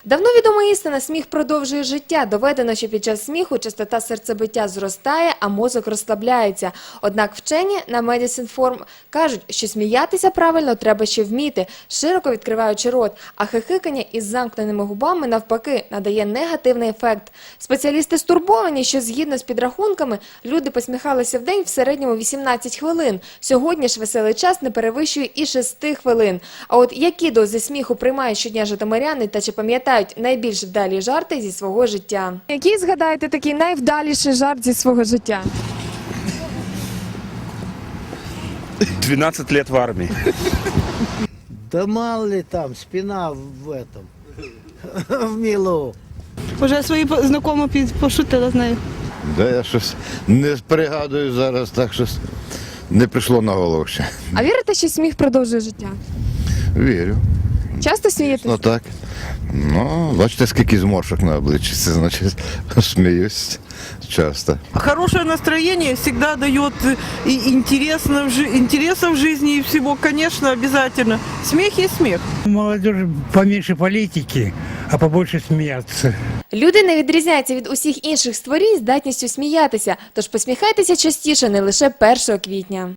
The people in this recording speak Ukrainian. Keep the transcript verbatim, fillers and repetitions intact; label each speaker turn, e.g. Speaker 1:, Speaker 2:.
Speaker 1: Давно відома істина – сміх продовжує життя. Доведено, що під час сміху частота серцебиття зростає, а мозок розслабляється. Однак вчені на Медісінформ кажуть, що сміятися правильно треба ще вміти, широко відкриваючи рот, а хихикання із замкненими губами, навпаки, надає негативний ефект. Спеціалісти стурбовані, що згідно з підрахунками, люди посміхалися в день в середньому вісімнадцять хвилин. Сьогодні ж веселий час не перевищує і шести хвилин. А от які дози сміху приймають щодня житомиряни та чи пам'ятають найбільш вдалі жарти зі свого життя? Який, згадаєте, такий найвдаліший жарт зі свого життя?
Speaker 2: двенадцать лет в армии.
Speaker 3: Да мало ли там, спина в этом, в милу.
Speaker 4: Уже свої знайомі під- пошутила з нею.
Speaker 5: Да я щось не пригадую зараз, так щось не прийшло на голову ще.
Speaker 1: А вірите, що сміх продовжує життя?
Speaker 5: Вірю.
Speaker 1: Часто смієтесь?
Speaker 5: Ну так. Ну, бачите, скільки зморшок на обличчі, це значить сміюсь часто.
Speaker 6: Хорошее настроение всегда дает и интересно в жи- интереса в жизни и всего, конечно, обязательно. Смех есть смех.
Speaker 7: Молодежь поменьше политики, а побольше смеяться.
Speaker 1: Люди не відрізняються від усіх інших створінь здатністю сміятися, тож посміхайтеся частіше, не лише першого квітня.